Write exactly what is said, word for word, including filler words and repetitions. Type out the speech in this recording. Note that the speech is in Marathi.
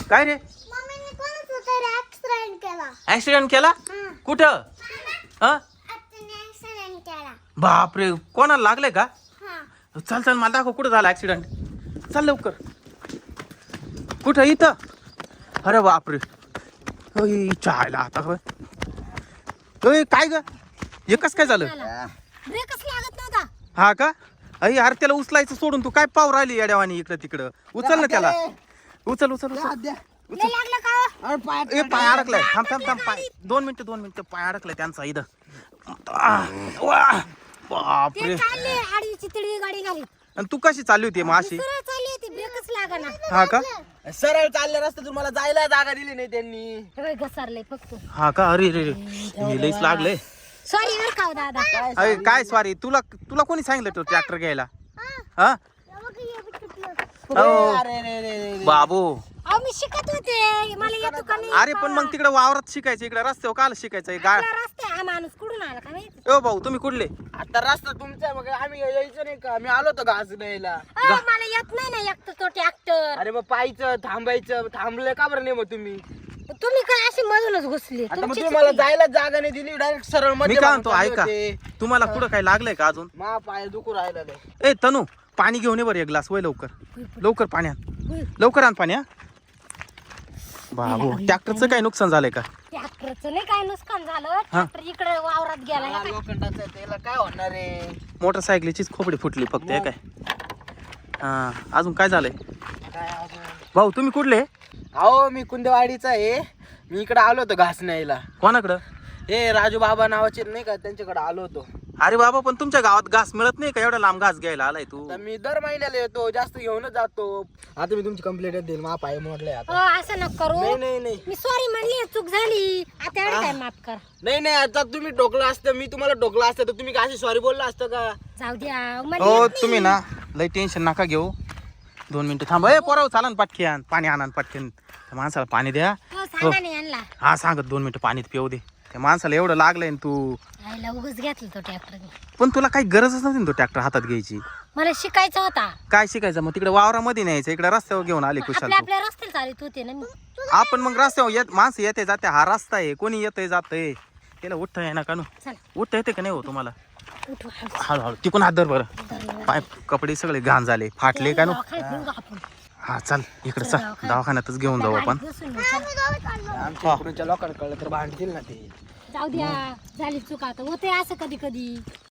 काय रे मम्मीने कोणाचा तरी ऍक्सिडेंट केला. ऍक्सिडेंट केला हं. कुठं हा आत्याने ऍक्सिडेंट केला. बापरे कोणाला लागले का हा. चल चल मला दाखव कुठं झाला ऍक्सिडेंट चल लवकर कुठं इथं अरे बापरे ओय चायला आता होय ओय काय ग एकच काय झालं ब्रेकच लागत नव्हता. हा का अय यार त्याला उचलायचं सोडून तू काय पाव राहिली येड्यावानी इकडं तिकडं उचल ना त्याला उचल उचल उचल लय लागलं का? ए पाय अडकलाय थांब थांब थांब पाय दोन मिनिटं दोन मिनिटं पाय अडकलाय त्यांचा इथं आह, वा, ते बापरे चालले आडीची तिडवी गाडी घाली. आणि तू कशी चालली होती मग अशी सरळ चालली होती ब्रेकच लागना. हा का सरळ चालले रस्ते तुम्हाला जायला जागा दिली नाही त्यांनी. हे बघ घसरले फक्त. हा का अरे रे रे हे लईच लागले सॉरी बर का हो दादा. अरे काय सॉरी तुला तुला कोणी सांगितलं तो ट्रॅक्टर घ्यायला हा अहो, अरे रे रे रे. बाबू अहो मी शिकत होते मला येतो का नाही. अरे पण मग तिकडे वावरात शिकायचं इकडे रस्त्यावर काल शिकायचं गा आपला रस्ता हा माणूस कुठून आला का माहिती. ओ भाऊ तुम्ही कुठले आता रस्ता तुमचा मग आम्ही यायचं नाही का आम्ही आलो होतो घास न्यायला. अहो, मला येत नाही ना एकटं तो ट्रॅक्टर. अरे मग पाहायचं थांबायचं थांबलं का बरं नाही मग तुम्ही तुम्ही काय अशी मधूनच घुसली. आता मग तुमची तुम्हाला चुकी. जायला जागा नाही दिली डायरेक्ट सरळ मी मध्ये काय मारून म्हणतो चालले ऐका होते. तुम्हाला कुठं काय लागलंय का अजून मा पाय दुखू राहिला लय. ए तनू पाणी घेऊन ये बरं एक ग्लास वय लवकर लवकर पाण्यात होय. लवकर आण पाणी हा बाबू ट्रॅक्टरचं काय नुकसान झालंय का ट्रॅक्टरचं नाही काय नुकसान झालं. ट्रॅक्टर इकडे वावरात गेला. हा, लोखंडाचं आहे, त्याला काय होणार आहे. मोटरसायकलीचीच खोपडी फुटली फक्त हे काय हा अजून काय झालंय काय अजून? भाऊ तुम्ही कुठले अहो मी कुंदेवाडीचा आहे. मी इकडे आलो होतो घास न्यायला. कोणाकडं हे राजू बाबा नावाचे नाही का त्यांच्याकडे आलो होतो. अरे बाबा पण तुमच्या गावात घास मिळत नाही का एवढा लांब घास घ्यायला आलाय तू तर मी दर महिन्याला येतो जास्त घेऊनच जातो. आता मी तुमची कंप्लेंट देईल मा पाय मोडले हो आता. असं नको करू. नाही नाही नाही मी सॉरी म्हणली चूक झाली. आता एवढं काय माफ कर. नाही नाही आता तुम्ही टोकलं असतं मी तुम्हाला टोकलं असतं तर तुम्ही काय सॉरी बोलला असतं का. जाऊ द्या. मला हो येत नाही. तुम्ही ना लय टेन्शन नका घेऊ दोन मिनिटं थांबा ए पोराव चालन पटकी आण पाणी आणा पटकन त्या माणसाला पाणी द्या हो सांगा नाही यांना. हा सांगत दोन मिनिटं पाणी पिऊ दे त्या माणसाला एवढं लागलंय ना तू आईला उगच घेतलं तो ट्रॅक्टर. पण तुला काही गरजच नव्हती ना तो ट्रॅक्टर हातात घ्यायची मला शिकायचा होता. काय शिकायचं मग तिकडे वावरामध्ये न्यायचं इकडे रस्त्यावर घेऊन आले कुशाल आपल्या तू आपल्या रस्त्याला चालत होते ना मी. आपण मग रस्त्यावर येत माणसं येते जाते हा रस्ता आहे कोणी येतंय जातंय त्याला उठता आहे ना का नु चला उठता येते का नाही हो तुम्हाला उठू हळू. हळूहळू तिकून हात धर बरं धरलं. पाय कपडे सगळे घाण झाले फाटले का नु दवाखान्यात नेऊ का आपण? हा चल इकडे चल दवाखान्यातच घेऊन जाऊ आपण गाडीत बसून नेऊ, चला. आमच्या इकडच्या लोकांना कळलं तर भांडतील ना ते. जाऊ द्या झाली चूक आता होते असं कधी कधी.